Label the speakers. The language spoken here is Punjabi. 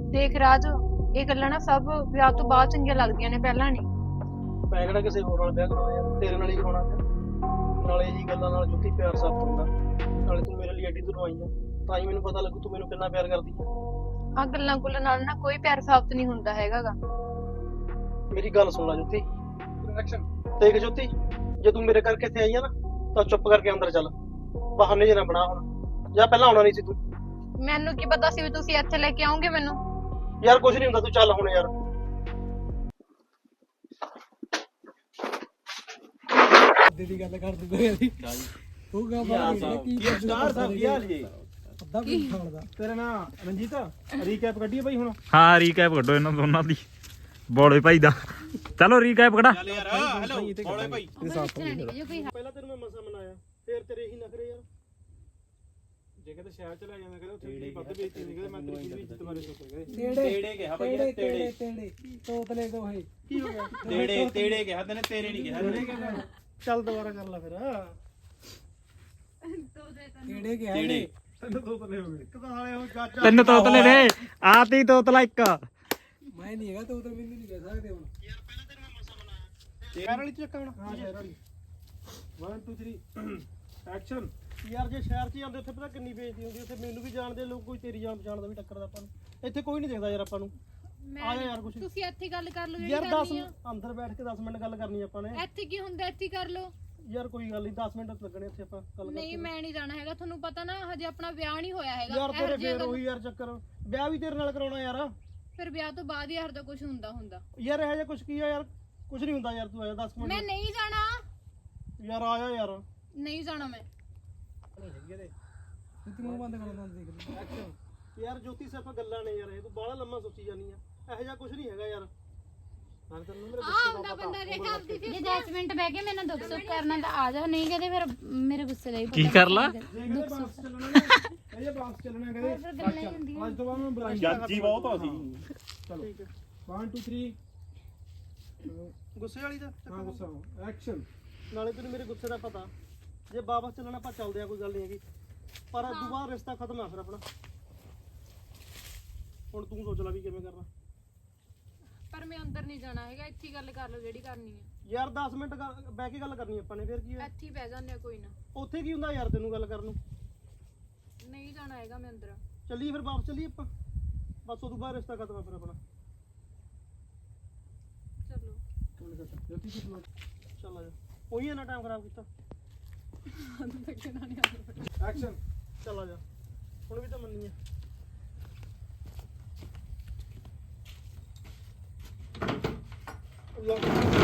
Speaker 1: ਦੇਖ ਰਾਜ, ਇਹ ਗੱਲਾਂ ਨਾ ਸਭ ਵਿਆਹ ਤੋਂ ਬਾਅਦ ਚੰਗੀਆਂ ਲੱਗਦੀਆਂ ਨੇ, ਪਹਿਲਾਂ ਨਹੀਂ।
Speaker 2: ਮੈਂ ਕਿਹੜਾ ਕਿਸੇ ਹੋਰ ਨਾਲ ਵਿਆਹ ਕਰਾਉਣਾ ਯਾਰ, ਤੇਰੇ ਨਾਲ ਹੀ ਕਰਾਉਣਾ ਪਿਆ। ਨਾਲੇ ਇਹੀ ਗੱਲਾਂ ਨਾਲ ਜੁੱਤੀ ਪਿਆਰ ਸਾਬਤ ਹੁੰਦਾ। ਨਾਲੇ ਤੂੰ ਮੇਰੇ ਲਈ ਐਡੀ ਦੂਰੋਂ ਆਈ ਆ, ਤਾਂ ਹੀ ਮੈਨੂੰ ਪਤਾ ਲੱਗੂ ਤੂੰ ਮੈਨੂੰ ਕਿੰਨਾ ਪਿਆਰ ਕਰਦੀ ਆ।
Speaker 1: ਆ ਗੱਲਾਂ ਗੁੱਲਾਂ ਨਾਲ ਨਾ ਕੋਈ ਪਿਆਰ ਸਾਬਤ ਨਹੀਂ ਹੁੰਦਾ ਹੈਗਾਗਾ।
Speaker 2: ਮੇਰੀ ਗੱਲ ਸੁਣ ਲੈ ਜੁੱਤੀ। ਦੇਖ ਜੁੱਤੀ, ਜੇ ਤੂੰ ਮੇਰੇ ਕਰਕੇ ਇੱਥੇ ਆਈ ਆ ਨਾ, ਤਾਂ ਚੁੱਪ ਕਰਕੇ ਅੰਦਰ ਚੱਲ। ਬਹਾਨੇ ਜਿਹੇ ਨਾ ਬਣਾ ਹੁਣ, ਜਾਂ ਪਹਿਲਾਂ ਆਉਣਾ ਨਹੀਂ ਸੀ ਤੂੰ।
Speaker 1: ਮੈਨੂੰ ਕੀ ਪਤਾ ਸੀ ਵੀ ਤੁਸੀਂ ਇੱਥੇ ਲੈ ਕੇ ਆਓਗੇ ਮੈਨੂੰ।
Speaker 2: ਯਾਰ ਕੁਝ ਨਹੀਂ ਹੁੰਦਾ, ਤੂੰ ਚੱਲ ਹੁਣ ਯਾਰ।
Speaker 3: ਦੀ ਗੱਲ ਕਰਦੇ ਪਏ ਅਸੀਂ ਉਹ ਗਾ ਬਾਹਰ ਕੀ
Speaker 2: ਸਟਾਰ ਸਾਹਿਬ ਕੀ ਹਾਲ ਜੀ?
Speaker 3: ਅੱਧਾ ਵੀ ਖਾਣਦਾ
Speaker 2: ਤੇਰਾ ਨਾਂ ਰਣਜੀਤ, ਰੀਕੈਪ ਕੱਢੀਏ ਬਾਈ ਹੁਣ।
Speaker 4: ਹਾਂ ਰੀਕੈਪ ਕੱਢੋ ਇਹਨਾਂ ਦੋਨਾਂ ਦੀ, ਬੋਲੇ ਭਾਈ ਦਾ। ਚਲੋ ਰੀਕੈਪ ਕਢਾ।
Speaker 2: ਚੱਲ ਯਾਰ, ਹੈਲੋ ਬੋਲੇ ਭਾਈ। ਪਹਿਲਾਂ ਤੈਨੂੰ ਮੈਂ ਮਸਾ ਮਨਾਇਆ, ਫੇਰ ਤੇਰੇ ਇਹੀ ਨਖਰੇ ਯਾਰ। ਜੇ ਕਿਤੇ ਸ਼ਹਿਰ ਚ ਲੈ ਜਾਂਦਾ ਕਹਿੰਦੇ ਉੱਥੇ ਵੱਧ ਵੇਚੀ ਨਹੀਂ, ਕਹਿੰਦੇ ਮੈਂ ਤੇਰੀ ਵੀ ਇੱਜ਼ਤ ਬਾਰੇ ਸੋਚ ਰਿਹਾ।
Speaker 3: ਤੇੜੇ ਕਿਹਾ ਭਾਈ, ਤੇੜੇ ਤੋਤਲੇ ਦੋਹੇ
Speaker 2: ਕੀ ਹੋ ਗਿਆ?
Speaker 5: ਤੇੜੇ ਕਿਹਾ ਤੈਨੇ, ਤੇਰੇ ਨਹੀਂ ਕਿਹਾ।
Speaker 2: ਚੱਲ ਦੁਬਾਰਾ ਕਰ ਲੈ ਫਿਰ।
Speaker 3: ਤੇੜੇ ਕਿਹਾ
Speaker 5: ਤੇੜੇ
Speaker 2: ਤੈਨੂੰ ਤੋਤਲੇ ਹੋ ਗਏ। ਇੱਕ ਤਾਂ ਹਾਲੇ ਉਹ ਚਾਚਾ
Speaker 4: ਤਿੰਨ ਤੋਤਲੇ ਨੇ, ਆਤੀ ਤੋਤਲਾ ਇੱਕ।
Speaker 3: ਮੈਂ ਨਹੀਂ ਹੈਗਾ ਤੋਤਲ, ਮੈਨੂੰ ਨਹੀਂ ਕਹਿ ਸਕਦੇ ਹੁਣ।
Speaker 2: ਯਾਰ ਪਹਿਲਾਂ ਤੈਨੂੰ ਮੈਂ ਮਸਾ ਮਨਾਇਆ। ਸ਼ਹਿਰ ਵਾਲੀ ਚੱਕਾ ਹੁਣ। ਹਾਂ ਸ਼ਹਿਰ ਵਾਲੀ। 1 2 3 ਐਕਸ਼ਨ। ਯਾਰ ਜੇ ਸ਼ਹਿਰ 'ਚ ਜਾਂਦੇ ਉੱਥੇ ਪਤਾ ਕਿੰਨੀ ਬੇਇੱਜ਼ਤੀ ਹੁੰਦੀ, ਉੱਥੇ ਮੈਨੂੰ ਵੀ ਜਾਣਦੇ ਲੋਕ, ਕੋਈ ਤੇਰੀ ਜਾਣ ਪਛਾਣ ਦਾ ਵੀ ਟੱਕਰਦਾ ਆਪਾਂ ਨੂੰ। ਇੱਥੇ ਕੋਈ ਨਹੀਂ ਦੇਖਦਾ ਯਾਰ ਆਪਾਂ ਨੂੰ। ਆ ਜਾ ਯਾਰ ਕੁਛ।
Speaker 1: ਤੁਸੀਂ ਇੱਥੇ ਗੱਲ ਕਰ ਲਓ
Speaker 2: ਯਾਰ 10 ਅੰਦਰ ਬੈਠ ਕੇ 10 ਮਿੰਟ ਗੱਲ ਕਰਨੀ ਆਪਾਂ ਨੇ।
Speaker 1: ਇੱਥੇ ਕੀ ਹੁੰਦਾ, ਇੱਥੇ ਕਰ ਲਓ।
Speaker 2: ਯਾਰ ਕੋਈ ਗੱਲ ਨਹੀਂ, 10 ਮਿੰਟ ਲੱਗਣੇ ਇੱਥੇ ਆਪਾਂ ਗੱਲ
Speaker 1: ਨਹੀਂ
Speaker 2: ਕਰਕੇ।
Speaker 1: ਮੈਂ ਨਹੀਂ ਜਾਣਾ ਹੈਗਾ, ਤੁਹਾਨੂੰ ਪਤਾ ਨਾ ਹਜੇ ਆਪਣਾ ਵਿਆਹ ਨਹੀਂ ਹੋਇਆ ਹੈਗਾ।
Speaker 2: ਯਾਰ ਤੇਰੇ ਫੇਰ ਉਹੀ ਯਾਰ ਚੱਕਰ, ਵਿਆਹ ਵੀ ਤੇਰੇ ਨਾਲ ਕਰਾਉਣਾ ਯਾਰ।
Speaker 1: ਫਿਰ ਵਿਆਹ ਤੋਂ ਬਾਅਦ ਹੀ ਹਰ ਦਾ ਕੁਝ ਹੁੰਦਾ
Speaker 2: ਯਾਰ ਇਹ ਜਿਹਾ ਕੁਛ ਕੀ ਆ ਯਾਰ, ਕੁਛ ਨਹੀਂ ਹੁੰਦਾ ਯਾਰ। ਤੂੰ ਆਇਆ 10
Speaker 1: ਮੈਂ
Speaker 2: ਮਿੰਟ।
Speaker 1: ਨਹੀਂ ਜਾਣਾ,
Speaker 2: ਯਾਰ ਆਇਆ ਯਾਰ।
Speaker 1: ਨਹੀਂ ਜਾਣਾ ਮੈਂ।
Speaker 3: ਤੂੰ ਮੂੰਹ ਬੰਦ ਕਰ ਲਾਂ, ਦੇਖ ਲੈ।
Speaker 2: ਐਕਸ਼ਨ। ਯਾਰ ਜੋਤੀ ਸਿਰਫ ਗੱਲਾਂ ਨੇ ਯਾਰ, ਇਹ ਤੂੰ ਬਾਹਲਾ ਲੰਮਾ ਸੋਚੀ ਜਾਨੀ ਆ। ਇਹੋ ਜਿਹਾ ਕੁਛ ਨਹੀਂ ਹੈਗਾ ਯਾਰ। ਮੈਂ ਤੈਨੂੰ ਮੇਰੇ ਗੁੱਸੇ ਦਾ ਪਤਾ।
Speaker 6: ਜੇ 10 ਮਿੰਟ ਬਹਿ ਕੇ ਮੇਰੇ ਨਾਲ ਦੁੱਖ ਸੁੱਖ ਕਰਨਾ ਤਾਂ ਆ ਜਾ, ਨਹੀਂ ਕਹਦੇ ਫਿਰ ਮੇਰੇ ਗੁੱਸੇ ਦਾ ਹੀ
Speaker 4: ਕੀ ਕਰ ਲਾ?
Speaker 2: ਇਹ ਬਾਸ ਚੱਲਣਾ ਨਾ, ਇਹ ਬਾਸ ਚੱਲਣਾ ਕਹਿੰਦੇ। ਅੱਜ ਤੋਂ ਬਾਅਦ ਮੈਂ ਬੁਲਾਈ
Speaker 5: ਜੱਜੀ ਬਹੁਤ ਆ ਸੀ।
Speaker 2: ਚਲੋ 1 2 3 ਗੁੱਸੇ ਵਾਲੀ ਦਾ। ਹਾਂ ਗੁੱਸਾ। ਐਕਸ਼ਨ। ਨਾਲੇ ਤੈਨੂੰ ਮੇਰੇ ਗੁੱਸੇ ਦਾ ਪਤਾ, ਜੇ ਵਾਪਸ ਚੱਲਣਾ ਆਪਾਂ ਚੱਲਦੇ ਆ, ਕੋਈ ਗੱਲ ਨਹੀਂ ਹੈਗੀ, ਪਰ ਅੱਜ ਤੋਂ ਬਾਅਦ ਰਿਸ਼ਤਾ ਖਤਮ ਆ ਫਿਰ ਆਪਣਾ। ਹੁਣ ਤੂੰ ਸੋਚ ਲੈ ਵੀ ਕਿਵੇਂ ਕਰਨਾ।
Speaker 1: ਪਰ ਮੈਂ ਅੰਦਰ ਨਹੀਂ ਜਾਣਾ ਹੈਗਾ, ਇੱਥੇ ਹੀ ਗੱਲ ਕਰ ਲਓ ਜਿਹੜੀ ਕਰਨੀ ਹੈ।
Speaker 2: ਯਾਰ 10 ਮਿੰਟ ਬਹਿ ਕੇ ਗੱਲ ਕਰਨੀ ਆਪਾਂ ਨੇ, ਫਿਰ ਕੀ ਹੈ?
Speaker 1: ਇੱਥੇ ਹੀ ਬਹਿ ਜਾਂਦੇ ਆ, ਕੋਈ ਨਾ।
Speaker 2: ਉੱਥੇ ਕੀ ਹੁੰਦਾ ਯਾਰ ਤੈਨੂੰ ਗੱਲ ਕਰਨ ਨੂੰ?
Speaker 1: ਨਹੀਂ ਜਾਣਾ ਹੈਗਾ ਮੈਂ ਅੰਦਰ।
Speaker 2: ਚੱਲੀਏ ਫਿਰ, ਵਾਪਸ ਚੱਲੀਏ ਆਪਾਂ। ਬਸ ਉਦੋਂ ਬਾਅਦ ਰਿਸ਼ਤਾ ਖਤਮ ਆ ਫਿਰ ਆਪਣਾ।
Speaker 1: ਚਲੋ
Speaker 2: ਚੱਲ ਆ ਜਾ, ਉਹੀ ਨਾ ਟਾਈਮ ਖਰਾਬ ਕੀਤਾ। ਐਕਸ਼ਨ। ਚੱਲ ਆ ਜਾ, ਹੁਣ ਵੀ ਤਾਂ ਮੰਨੀ ਆ। ਲਓ